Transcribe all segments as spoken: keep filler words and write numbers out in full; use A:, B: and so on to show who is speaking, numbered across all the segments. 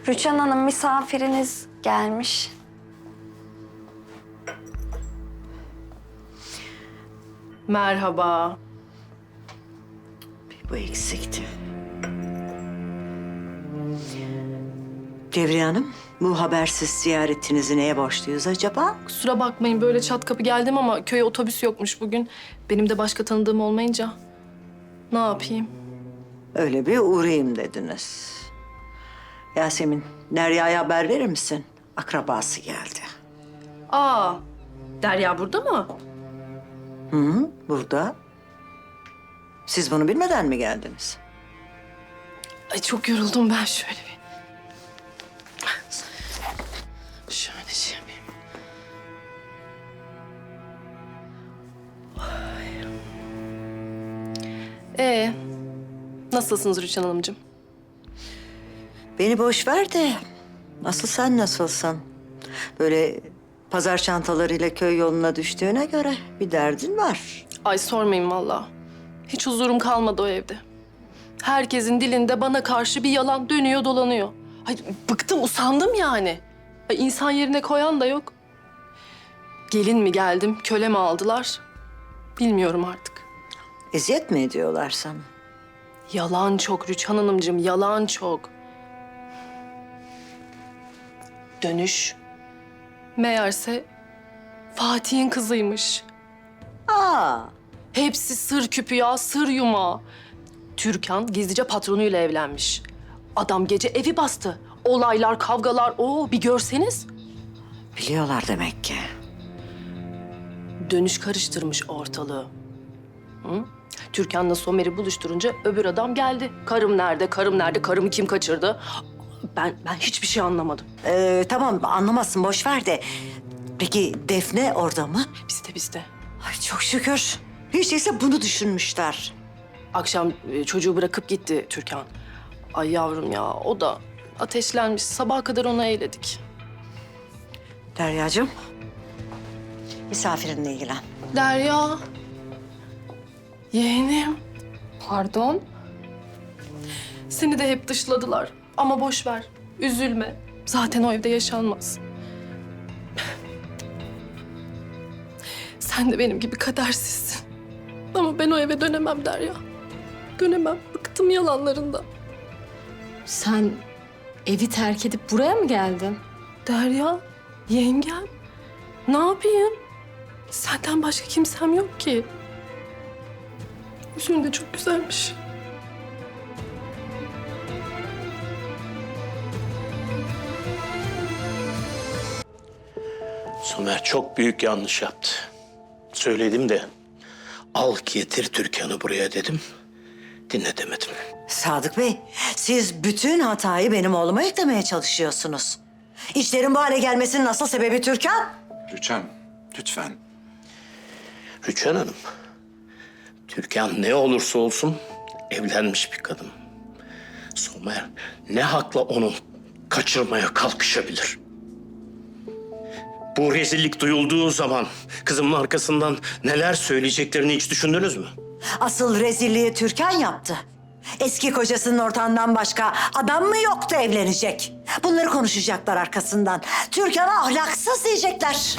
A: Rüçhan Hanım, misafiriniz gelmiş.
B: Merhaba.
C: Bir bu eksikti. Devriye Hanım, bu habersiz ziyaretinizi neye borçluyuz acaba?
B: Kusura bakmayın böyle çat kapı geldim ama köye otobüs yokmuş bugün. Benim de başka tanıdığım olmayınca ne yapayım?
C: Öyle bir uğrayayım dediniz. Yasemin, Derya'ya haber verir misin? Akrabası geldi.
B: Aa, Derya burada mı?
C: Hı hı, burada. Siz bunu bilmeden mi geldiniz?
B: Ay çok yoruldum ben şöyle bir. Şöyle şey yapayım. Ay. Ee, nasılsınız Rüçhan Hanımcığım?
C: Beni boş ver de asıl sen nasılsın? Böyle pazar çantalarıyla köy yoluna düştüğüne göre bir derdin var.
B: Ay sormayın vallahi. Hiç huzurum kalmadı o evde. Herkesin dilinde bana karşı bir yalan dönüyor dolanıyor. Ay bıktım, usandım yani. Ay insan yerine koyan da yok. Gelin mi geldim, köle mi aldılar? Bilmiyorum artık.
C: Eziyet mi ediyorlar sana?
B: Yalan çok Rüçhan Hanımcığım, yalan çok. Dönüş. Meğerse Fatih'in kızıymış.
C: Aa,
B: Hepsi sır küpü ya, sır yumağı. Türkan gizlice patronuyla evlenmiş. Adam gece evi bastı. Olaylar, kavgalar, oo bir görseniz.
C: biliyorlar demek ki.
B: Dönüş karıştırmış ortalığı. Hı? Türkan'la Somer'i buluşturunca öbür adam geldi. Karım nerede, karım nerede, karımı kim kaçırdı? Ben ben hiçbir şey anlamadım.
C: Ee, tamam anlamazsın, boş ver de. Peki Defne orada mı?
B: Bizde bizde.
C: Ay çok şükür. Hiç değilse bunu düşünmüşler.
B: Akşam e, çocuğu bırakıp gitti Türkan. Ay yavrum ya, o da ateşlenmiş. Sabaha kadar onu eğledik.
C: Deryacığım, misafirinle ilgilen.
B: Derya. Yeğenim.
A: Pardon?
B: Seni de hep dışladılar. Ama boş ver. Üzülme. Zaten o evde yaşanmaz. Sen de benim gibi kadersizsin. Ama ben o eve dönemem Derya. Dönemem. Bıktım yalanlarından.
A: Sen evi terk edip buraya mı geldin?
B: Derya, yengem. Ne yapayım? Senden başka kimsem yok ki. Yüzün de çok güzelmiş.
D: Somer çok büyük yanlış yaptı. Söyledim de al getir Türkan'ı buraya dedim. Dinletemedim.
C: Sadık Bey, siz bütün hatayı benim oğluma yüklemeye çalışıyorsunuz. İşlerin bu hale gelmesinin asıl sebebi Türkan.
E: Rüçhan, lütfen.
D: Rüçhan Hanım, Türkan ne olursa olsun evlenmiş bir kadın. Somer ne hakla onu kaçırmaya kalkışabilir? Bu rezillik duyulduğu zaman kızımın arkasından neler söyleyeceklerini hiç düşündünüz mü?
C: Asıl rezilliği Türkan yaptı. Eski kocasının ortağından başka adam mı yoktu evlenecek? Bunları konuşacaklar arkasından. Türkan'a ahlaksız diyecekler.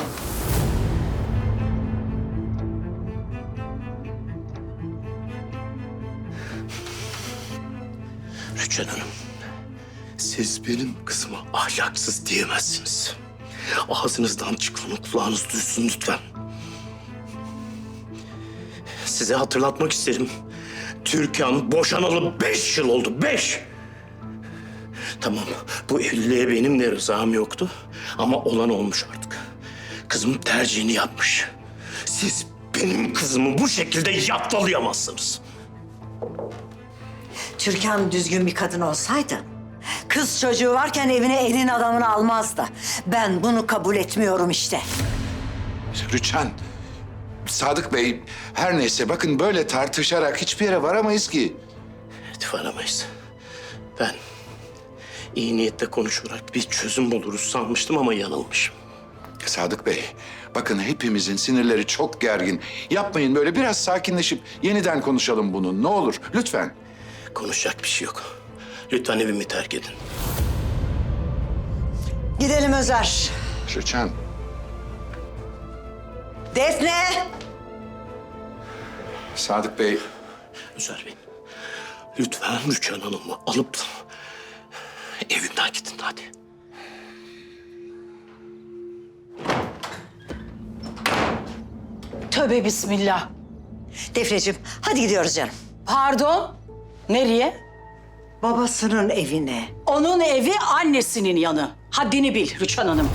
D: Rüçhan Hanım, siz benim kızıma ahlaksız diyemezsiniz. Ağzınızdan çıkanı kulağınız duysun lütfen. Size hatırlatmak isterim. Türkan boşanalı beş yıl oldu, beş! Tamam, bu evliliğe benim de rızam yoktu. Ama olan olmuş artık. Kızım tercihini yapmış. Siz benim kızımı bu şekilde yaptalayamazsınız.
C: Türkan düzgün bir kadın olsaydı, kız çocuğu varken evine elin adamını almazdı. Ben bunu kabul etmiyorum işte.
E: Rüçhan, Sadık Bey, her neyse bakın böyle tartışarak hiçbir yere varamayız ki.
D: Evet, varamayız. Ben iyi niyetle konuşarak bir çözüm buluruz sanmıştım ama yanılmışım.
E: Sadık Bey, bakın hepimizin sinirleri çok gergin. Yapmayın böyle, biraz sakinleşip yeniden konuşalım bunu. Ne olur lütfen.
D: Konuşacak bir şey yok. Lütfen evimi terk edin.
C: Gidelim Özer.
E: Rüçhan.
C: Defne!
E: Sadık Bey.
D: Özer Bey, lütfen Rüçhan Hanım'ı alıp evimden gidin hadi.
F: Tövbe bismillah.
C: Defneciğim hadi gidiyoruz canım.
F: Pardon. Nereye?
C: Babasının evine.
F: Onun evi annesinin yanı. Haddini bil Rüçhan Hanım.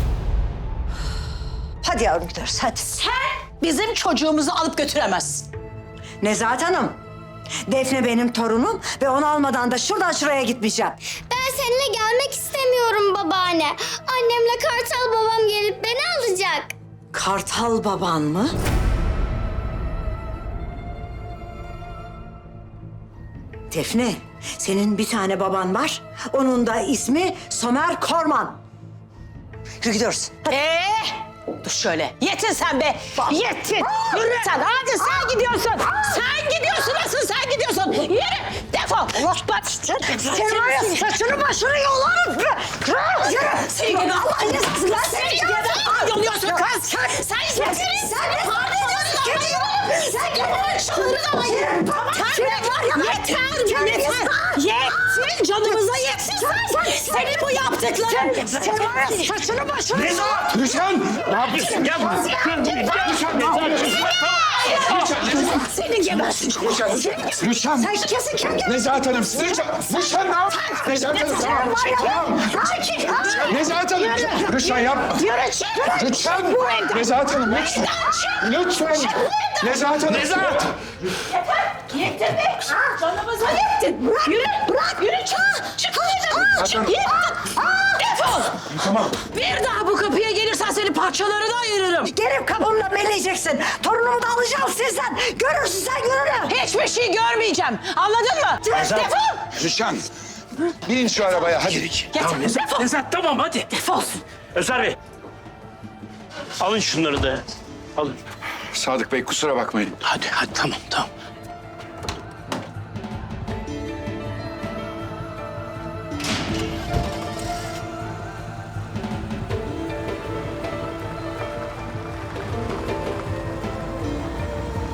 C: Hadi yavrum gidiyoruz hadi.
F: Sen bizim çocuğumuzu alıp götüremezsin.
C: Nezahat Hanım. Defne benim torunum ve onu almadan da şuradan şuraya gitmeyeceğim.
G: Ben seninle gelmek istemiyorum babaanne. Annemle Kartal babam gelip beni alacak.
C: Kartal baban mı? Defne, senin bir tane baban var. Onun da ismi Somer Korman. Yürü gidiyoruz. Hadi.
F: Ee, dur şöyle. Yetin sen be. Yetin. Yürü sen. Hadi sen gidiyorsun. Sen gidiyorsun. Asıl sen gidiyorsun. Yürü. Defol. Bak.
C: Sen var ya saçını başını yolarım. Yürü.
F: Seni gibi Allah'ın cezası. Seni gibi yoluyorsun kız. Sen sen sen ne var ediyorsun? Sen gibi şunları da ayır. Tamam. Yeter. Yeter. Yetin. Canımıza yetin. Senin bu yaptıkların. Sen var ya saçını başını yolarım.
E: Rüçhan!
D: Ne yapıyorsun? Gel buraya. Rüçhan,
F: Senin gibi.
E: Rüçhan! Rüçhan!
C: Sen kesin kim geldi?
E: Nezahat Hanım! Rüçhan! Rüçhan ne yap? Nezahat Hanım tamam. Tamam. Nezahat Hanım! Rüçhan yapma.
F: Yürü çık.
E: Rüçhan! Nezahat Hanım lütfen. Lütfen. Nezahat Hanım. Nezahat!
F: Yettin be. Canımıza yettin. Yürü. Bırak. Yürü çık. Çık. Çık.
E: Hanım.
F: Yettin. Defol.
E: Tamam.
F: Bir daha bu kapıya gelirsen seni parçalarına ayırırım.
C: Gelip kapımda meleyeceksin. Torunumu da alacağım sizden. Görürsün sen gününü.
F: Hiçbir şey görmeyeceğim. Anladın mı? Defol.
E: Rüçhan! Binin şu arabaya hadi.
F: Getir.
D: Tamam Nezahat,
F: Defol.
D: Nezahat tamam hadi.
F: Defol.
D: Özer Bey, alın şunları da. Alın.
E: Sadık Bey kusura bakmayın.
D: Hadi hadi tamam tamam.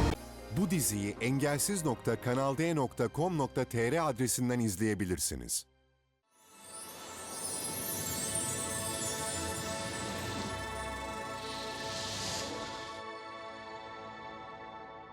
H: Bu diziyi engelsiz nokta kanal d nokta com nokta tr adresinden izleyebilirsiniz.